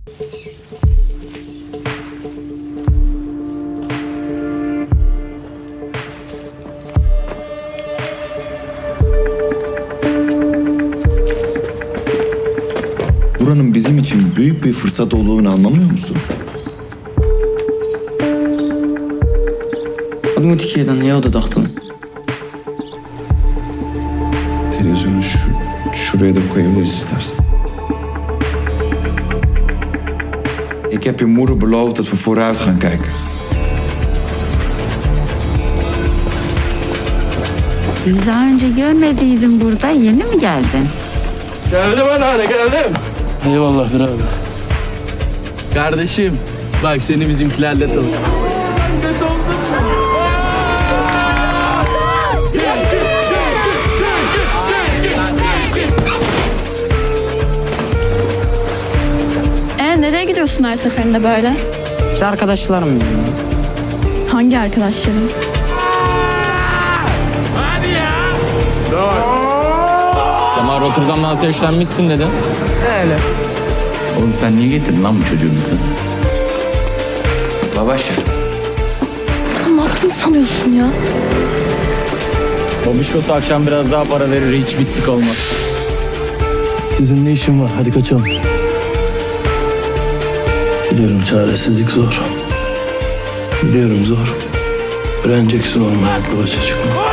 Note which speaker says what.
Speaker 1: Buranın bizim için büyük bir fırsat olduğunu anlamıyor musun?
Speaker 2: Adımı Tikiyeden niye oda taktın?
Speaker 1: Televizyonu şuraya da koyabiliriz istersen. Ik heb je moeder beloofd dat we vooruit gaan kijken.
Speaker 3: Seni daha önce görmediydim burada. Yeni mi geldin?
Speaker 4: Geldim anneanne, geldim.
Speaker 5: Eyvallah birader. Kardeşim, bak seni bizimkilerle tanı.
Speaker 6: Nereye gidiyorsun her seferinde böyle?
Speaker 2: İşte arkadaşlarım benim.
Speaker 6: Hangi arkadaşların?
Speaker 5: Kemal Rotterdam'dan ateşlenmişsin dedin.
Speaker 2: Öyle.
Speaker 7: Oğlum sen niye getirdin lan bu çocuğu bize?
Speaker 1: Babaşa.
Speaker 6: Sen ne yaptığını sanıyorsun ya?
Speaker 5: Babişkosu akşam biraz daha para verir, hiçbir sik olmaz.
Speaker 8: Sizin ne işin var? Hadi kaçalım. Biliyorum çaresizlik zor. Biliyorum zor. Öğreneceksin olma hayatla başa çıkma.